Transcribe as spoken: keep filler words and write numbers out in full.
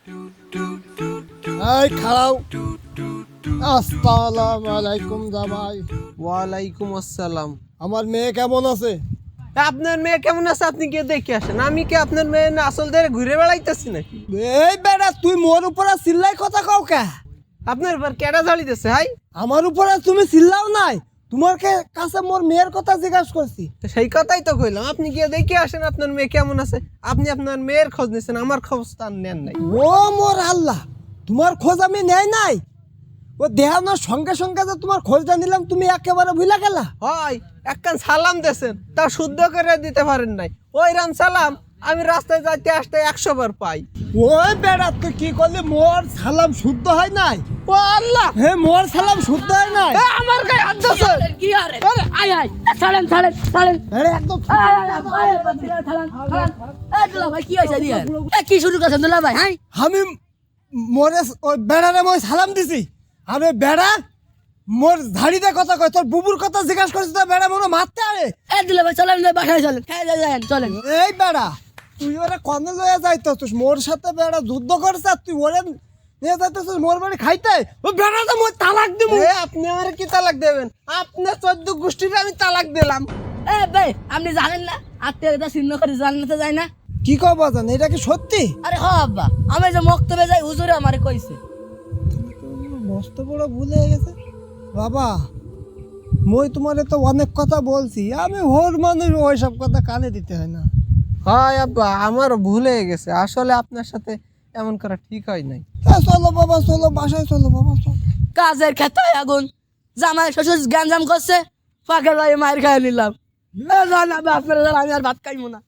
এই খাড়াও। আসসালামু আলাইকুম জামাই। ওয়ালাইকুম আসসালাম। আমার মেয়ে কেমন আছে? আপনার মেয়ে কেমন আছে আপনি গিয়ে দেখে আসেন। আমি কি আপনার মেয়ে না আসল ধরে ঘুরে বেড়াইতেছি নাকি? এই বেটা তুই মোর উপরে চিল্লাই কথা কও কে? আপনার এবার কেডা ঝাড়িতেছে হাই? আমার উপরে তুমি চিল্লাও নাই, তোমার কে- কাছে মোর মেয়ের কথা জিজ্ঞাসা করছি। তো সেই কথাই তো কইলাম, আপনি গিয়ে দেখে আসেন আপনার মেয়ে কেমন আছে। আপনি আপনার মেয়ের খোঁজ নিছেন, আমার খোঁজ তার নেন নাই। ও মোর আল্লাহ, তোমার খোঁজ আমি নেই নাই। ও দেহানোর সঙ্গে সঙ্গে যে তোমার খোঁজটা নিলাম তুমি একেবারে ভুলে গেলা। হয় একখান সালাম দেন, তা শুদ্ধ করে দিতে পারেন নাই। ওই রাম সালাম আমি রাস্তায় যাইতে আসতে একশো বার পাই। ওই বেড়া তুই কি করলি? মোর সালাম শুদ্ধ হয় নাই। ও আল্লাহ, হে মোর সালাম শুদ্ধ হয় নাই। এ, আমার গায়ে হাত দিছে। কি আরে আয় আয় ছাড়েন ছাড়েন ছাড়েন বেড়া একদম ভাই কি হয়েছে দিয়ে কি শুরু করছেন দুলা ভাই? হ্যাঁ আমি মোরে ওই বেড়ারে মই সালাম দিছি, আর ওই বেড়া মোর ঝাড়িতে কথা কয়, তোর বুবুর কথা জিজ্ঞাসা করছিস তো বেড়া মনে মারতে আরে। এ দুলা ভাই চলেন বাসায় চলেন, খেয়ে যান চলেন। এই বেড়া তুই ওরে কনে লয়ে যাইতেছিস? মোর সাথে বেড়া যুদ্ধ করছে আর তুই ওরে নিয়ে যাইতেছিস মোর বাড়ি খাইতে? ও বেড়া তো মই তালাক দিব। এ, আপনি আমার কি তালাক দেবেন? আপনার চোদ্দ গোষ্ঠীর আমি তালাক দিলাম। এ ভাই আপনি জানেন না আত্মীয়তা ছিন্ন করে জান্নাতে যায় না? কি কব জান, এটা কি সত্যি? আরে হ আব্বা, আমি যে মক্তবে যাই হুজুরে আমারে কইছে। মস্ত বড় ভুল হয়ে গেছে বাবা। মই তোমারে তো অনেক কথা বলছি, আমি হোর মানুষ, ওইসব কথা কানে দিতে হয় না। হয় আব্বা, আমার ভুল হয়ে গেছে। আসলে আপনার সাথে এমন করা ঠিক হয় নাই। হ্যাঁ, চলো বাবা চলো, বাসায় চলো বাবা চলো। কাজের ক্ষেত্রে আগুন, জামাই শ্বশুর গ্যাঞ্জাম করছে, ফাঁকে যাই মায়ের খাই নিলাম। এ জানা বাপের আমি আর ভাত খাইবো না।